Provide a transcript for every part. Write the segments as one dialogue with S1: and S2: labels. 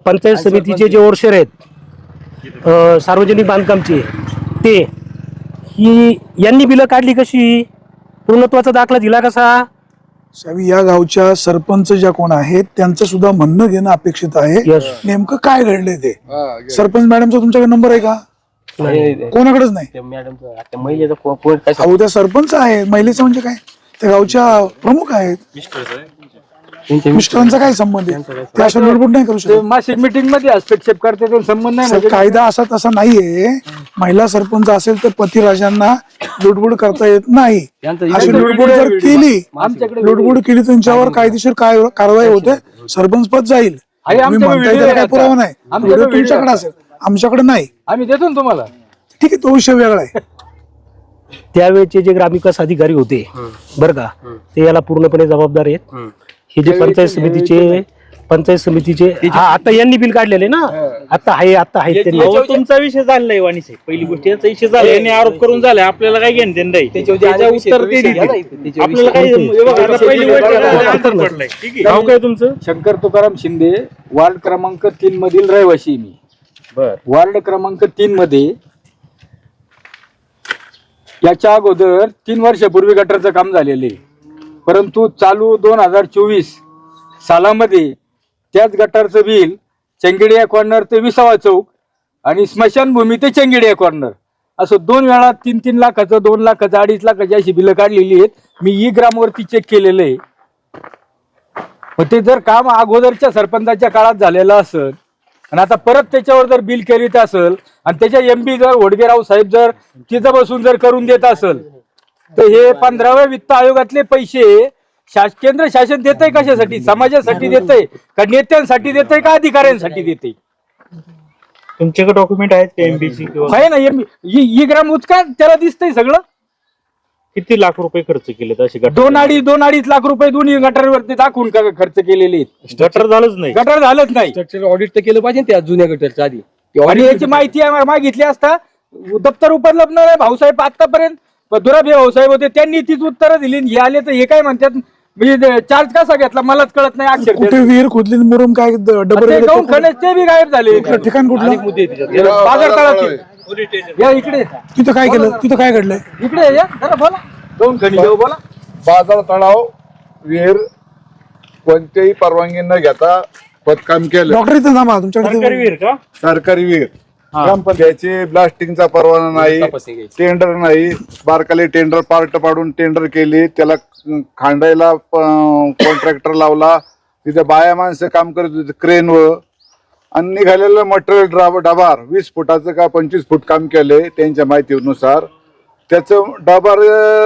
S1: पंचायत समितीचे जे ओरशेर आहेत सार्वजनिक बांधकामचे ते ही यांनी बिलं काढली कशी, पूर्णत्वाचा दाखला दिला कसा?
S2: साहेब या गावच्या सरपंच ज्या कोण आहेत त्यांचं सुद्धा म्हणणं घेणं अपेक्षित आहे. नेमकं काय घडलंय ते. सरपंच मॅडमचा तुमच्याकडे नंबर आहे का? कोणाकडेच नाही. अहो त्या सरपंच आहे, महिलेचं म्हणजे काय, त्या गावच्या प्रमुख आहेत, मिस्टरांचा काय संबंध आहे? ते अशा लुडबुड नाही करू शकत.
S3: मासिक मीटिंग मध्ये हस्तक्षेप करते तो संबंध नाही.
S2: कायदा असा तसा नाहीये. महिला सरपंच असेल तर पतिराजांना लुडबुड करता येत नाही. अशी लुडबुड जर केली, लुडबुड केली त्यांच्यावर कायदेशीर कारवाई होते, सरपंच पद जाईल. म्हणताय त्याला काही पुरावा नाही. तुमच्याकडे असेल, आमच्याकडे नाही.
S3: आम्ही देतो ना तुम्हाला.
S2: ठीक आहे, तो विषय वेगळा आहे.
S1: त्यावेळेचे जे ग्रामविकास अधिकारी होते बरं का, ते याला पूर्णपणे जबाबदार आहेत. हे जे पंचायत समितीचे आता यांनी बिल काढलेले ना, आता आहे
S4: तुमचा विषय झालाय वाणी साहेब. पहिली गोष्ट याचा विषय झाला, यांनी आरोप करून झालाय, आपल्याला काय घेणं देणं नाही. त्याच्या उत्तर ते देतील आपल्याला. काही पहिली गोष्ट पडलाय. नाव काय तुमचं?
S3: शंकर तुकाराम शिंदे, वार्ड क्रमांक 3 मधील रहिवासी मी. वार्ड क्रमांक 3 मध्ये याच्या अगोदर 3 वर्षापूर्वी गटरचं काम झालेले, परंतु चालू 2024 सालामध्ये त्याच गटारचं बिल चेंगडिया कॉर्नर ते विसावा चौक आणि स्मशानभूमी ते चेंगडिया कॉर्नर असं 2 वेळा 3-3 लाखाचं, 2 लाखाचं, 2.5 लाखाची अशी बिलं काढलेली आहेत. मी ई ग्रामवरती चेक केलेलं आहे. मग ते जर काम अगोदरच्या सरपंचाच्या काळात झालेलं असेल आणि आता परत त्याच्यावर जर बिल करीत असेल आणि त्याच्या एमपी जर वडगेराव साहेब जर तिथं बसून जर करून देत असेल तर हे 15व्या वित्त आयोगातले पैसे केंद्र शासन देतंय कशासाठी? समाजासाठी देतंय का नेत्यांसाठी देतंय का अधिकाऱ्यांसाठी देतंय?
S4: तुमच्याकडे डॉक्युमेंट आहेत का एमपीसी?
S3: आहे ना, ई ग्राम उचका त्याला दिसतंय सगळं.
S4: किती लाख रुपये खर्च केले असे?
S3: 2-2.5 लाख रुपये दोन्ही गटारवरती दाखवून खर्च केलेले आहेत.
S4: गटर झालंच नाही.
S3: गटर झालंच नाही.
S5: स्ट्रक्चर ऑडिट तर केलं पाहिजे त्या जुन्या गटरच्या आधी.
S3: आणि याची माहिती मागितली असता दप्तर उपलब्ध नाही. भाऊसाहेब आतापर्यंत दुराभे भाऊसाहेब होते, त्यांनी तीच उत्तरं दिली. हे आले तर हे काय म्हणतात, म्हणजे चार्ज कसा घेतला मलाच कळत नाही. अक्षर
S2: कुठे विहीर खोदली मुरुम काय
S3: ते बी गायब झाले.
S2: ठिकाण कुठलं?
S3: बाजार तळाचे. या इकडे.
S2: तिथं काय केलं? तिथं काय घडलंय?
S3: इकडे या जरा बोला. दोन खणी बोला.
S6: बाजार तळाव विहीर कोणत्याही परवानगी न घेता खोदकाम केलं.
S2: डॉक्टर इथं थांबा, तुमच्याकडे
S4: सरकारी विहीर का?
S6: सरकारी विहीर. ग्रामपंचायतची ब्लास्टिंगचा परवाना नाही, टेंडर नाही. बारकाले टेंडर पार्ट पाडून टेंडर केली, त्याला खांडायला कॉन्ट्रॅक्टर लावला. तिथे बाया माणसं काम करत होते क्रेनवर. आणि निघालेलं मटेरियल डबार 20 फुटाचं का 25 फूट काम केलंय त्यांच्या माहितीनुसार. त्याचं डबार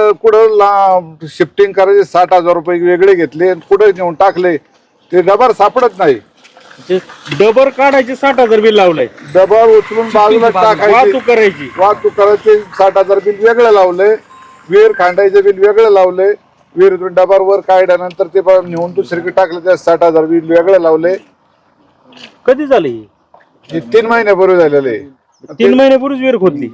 S6: कुठं शिफ्टिंग करायचे 60,000 रुपये वेगळे घेतले, कुठं नेऊन टाकले ते डबार सापडत नाही.
S4: डबर काढायचे 60,000 बिल लावलंय.
S6: डबार उचलून बाजूला टाकायची, वाहतूक करायचे 60,000 बिल वेगळं लावलंय. विहीर खांडायचं बिल वेगळं लावलंय. विहीर डबार वर काढल्यानंतर ते नेऊन दुसरीकडे टाकलं, त्या 60,000 बिल वेगळं लावलंय.
S4: कधी झालं
S6: हे 3 महिन्यापूर्वी झालेलं आहे.
S4: 3 महिन्यापूर्वीच विहीर खोदली.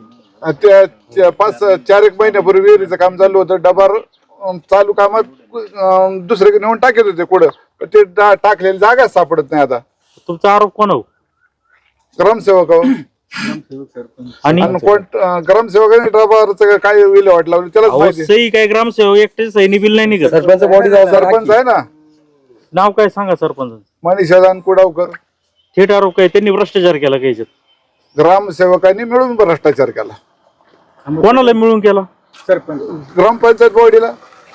S6: 4-1 महिन्यापूर्वी विहिरीचं काम चालू होतं. डबार चालू कामात दुसरीकडे नेऊन टाकत होते कुठं, ते टाकलेली जागा सापडत नाही. आता
S4: तुमचा आरोप कोण हो?
S6: ग्रामसेवक
S4: आणि
S6: ग्रामसेवकांनी डबारचं काय विल्हेवाट लावली त्यालाच माहिती.
S4: सही काय ग्रामसेवक एकटे सहीनी बिल नाही निघत.
S5: सरपंच बॉडी
S6: सरपंच आहे ना,
S4: नाव काय सांगा सरपंच?
S6: मनीषादान कुडावकर.
S4: थेट आरोप काय त्यांनी भ्रष्टाचार केला काय?
S6: ग्रामसेवकांनी मिळून भ्रष्टाचार केला.
S4: कोणाला मिळून केला?
S6: सरपंच ग्रामपंचायत बॉडीला.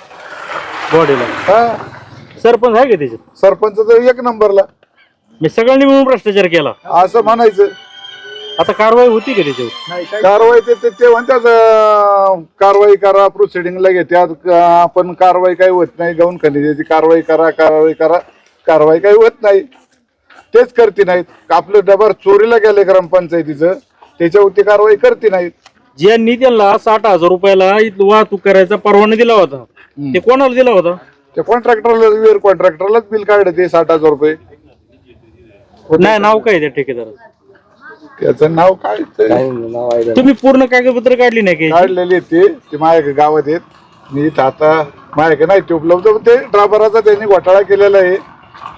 S4: हा सरपंच आहे का त्याच्यात?
S6: सरपंच तर 1 नंबरला.
S4: मी सगळ्यांनी मिळून भ्रष्टाचार केला
S6: असं म्हणायचं.
S4: आता कारवाई होती का त्याच्यावर?
S6: कारवाई ते म्हणतात कारवाई करा, प्रोसिडिंगला घेतात. आपण कारवाई काही होत नाही. गौण खनिजाची कारवाई करा, कारवाई काही होत नाही. तेच करते नाहीत. आपलं डबार चोरीला गेले ग्रामपंचायतीचं, त्याच्यावरती कारवाई करते नाहीत.
S4: ज्यांनी त्यांना 60,000 रुपयाला वाहतूक करायचा परवाना दिला होता ते कोणाला दिला होता?
S6: त्या कॉन्ट्रॅक्टरला, विहीर कॉन्ट्रॅक्टरलाच बिल काढले ते 60,000 रुपये.
S4: नाही, नाव काय त्या ठेकेदार?
S6: त्याचं नाव काय?
S4: तुम्ही पूर्ण कागदपत्र काढली नाही का?
S6: काढलेली ते माझ्या गावात आहेत. मी आता माझ्याकडे नाही ते उपलब्ध. ते ड्रायव्हराचा त्यांनी घोटाळा केलेला आहे.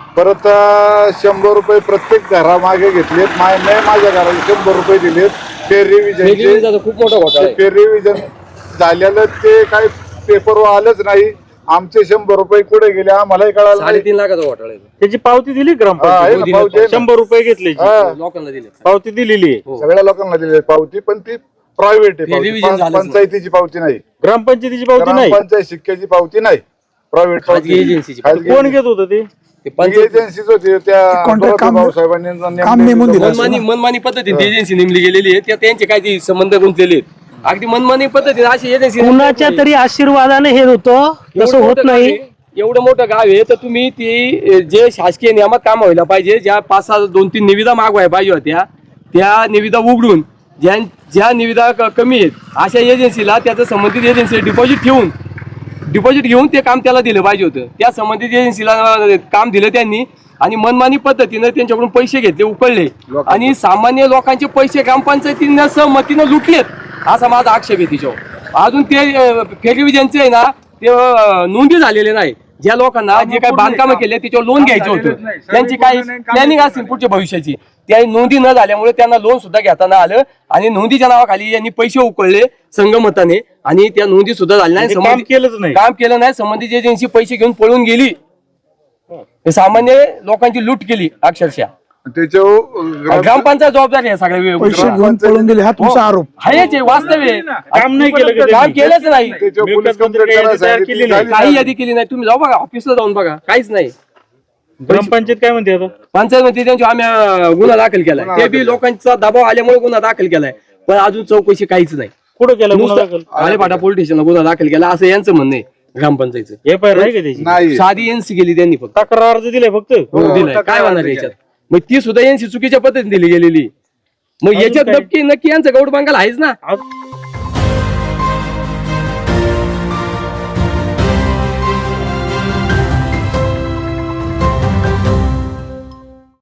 S6: परत 100 रुपये प्रत्येक घरामागे घेतलेत. माझ्या घराला 100 रुपये दिलेत. पेर रिव्हिजन
S5: खूप मोठा घोटाळा आहे.
S6: पेर रिव्हिजन झालेलं ते काही पेपरवर आलंच नाही. आमचे 100 रुपये कुठे गेले आम्हालाही कळालं नाही.
S5: 3.5 लाखाचा घोटाळा आहे.
S4: त्याची पावती दिली
S6: आहे ना,
S4: ग्रामपंचायत
S6: पावती आहे ना.
S4: 100 रुपये घेतले
S5: लोकांना दिले.
S4: पावती दिलेली आहे.
S6: सगळ्या लोकांना दिली पावती, पण ती प्रायव्हेट आहे.
S5: revision
S6: पावती.
S5: झालंच नाही.
S6: पंचायतीची पावती नाही.
S4: ग्रामपंचायतीची पावती नाही.
S6: पंचायत शिक्क्याची पावती नाही. प्रायव्हेट
S5: खाजगी एजन्सीची.
S4: कोण घेत होतं ते?
S5: ते पंचायत
S6: एजन्सीच होती त्या
S2: कॉन्ट्रॅक्ट काम
S6: भाऊसाहेबांनी
S2: काम नेमून दिलं असेल ना.
S5: मनमानी पद्धतीने एजन्सी नेमली गेलेली आहे. त्यांचे काय ते संबंध गुंतलेले आहेत. अगदी मनमानी पद्धतीने अशी एजन्सी
S1: कुणाच्या तरी आशीर्वादाने हे होतं, तसं होत नाही.
S5: एवढं मोठं गाव आहे तर तुम्ही ती जे शासकीय नियमात काम व्हायला पाहिजे, ज्या 5-6 2-3 निविदा मागवायला पाहिजे होत्या, त्या निविदा उघडून ज्या निविदा कमी आहेत अशा एजन्सीला त्याचं संबंधित एजन्सी डिपॉझिट घेऊन ते काम त्याला दिलं पाहिजे होतं. त्या संबंधित एजन्सीला काम दिलं त्यांनी आणि मनमानी पद्धतीनं त्यांच्याकडून पैसे घेतले, उकळले आणि सामान्य लोकांचे पैसे ग्रामपंचायतीनं सहमतीनं लुटलेत असा माझा आक्षेप आहे तिच्यावर. अजून ते फेरविजनचे आहे ना, ते नोंदी झालेले नाही. ज्या लोकांना जे काही बांधकामं केले त्याच्यावर लोन घ्यायचं होतं, त्यांची काही प्लॅनिंग असतील पुढच्या भविष्याची, त्या नोंदी न झाल्यामुळे त्यांना लोन सुद्धा घेता न आलं आणि नोंदीच्या नावाखाली यांनी पैसे उकळले संगमताने आणि त्या नोंदी सुद्धा झाल्या नाही.
S4: काम केलंच नाही.
S5: काम केलं नाही. संबंधित एजन्सी पैसे घेऊन पळून गेली. सामान्य लोकांची लूट केली अक्षरशः.
S6: त्याच्यावर
S5: ग्रामपंचायत जबाबदारी आहे सगळ्या
S2: पैसे घेऊन पळून गेले हा तुमचा आरोप.
S5: आहेच आहे, वास्तव आहे.
S4: काम नाही केलं का
S5: काम
S4: त्यांनी?
S5: केलंच नाही.
S6: त्याच्यावर पोलीस
S4: मिळकत
S6: कंप्लेंट
S4: मंत्री
S6: करायला
S4: तयार केली नाही.
S5: काही यादी केली नाही. तुम्ही जाऊ बघा ऑफिसला जाऊन बघा, काहीच नाही.
S4: ग्रामपंचायत काय म्हणते आता?
S5: पंचायत मध्ये त्यांची आम्ही गुन्हा दाखल केलाय. ते बी लोकांचा दबाव आल्यामुळे गुन्हा दाखल केलाय, पण अजून चौकशी काहीच नाही.
S4: कुठं केलं गुन्हा दाखल?
S5: आलेपाटा पोलीस स्टेशनला गुन्हा दाखल केला असं यांचं म्हणणं आहे ग्रामपंचायतचं.
S4: FIR नाही का त्याची?
S6: नाही.
S5: साधी एनसी गेली त्यांनी फक्त.
S4: तक्रार अर्ज दिलाय फक्त.
S5: दिलाय. काय होणार याच्यात? मग ती सुद्धा एनसी चुकीच्या पद्धतीने दिली गेलेली. मग याच्यात नक्की यांचं गौड बंगाल आहेच ना.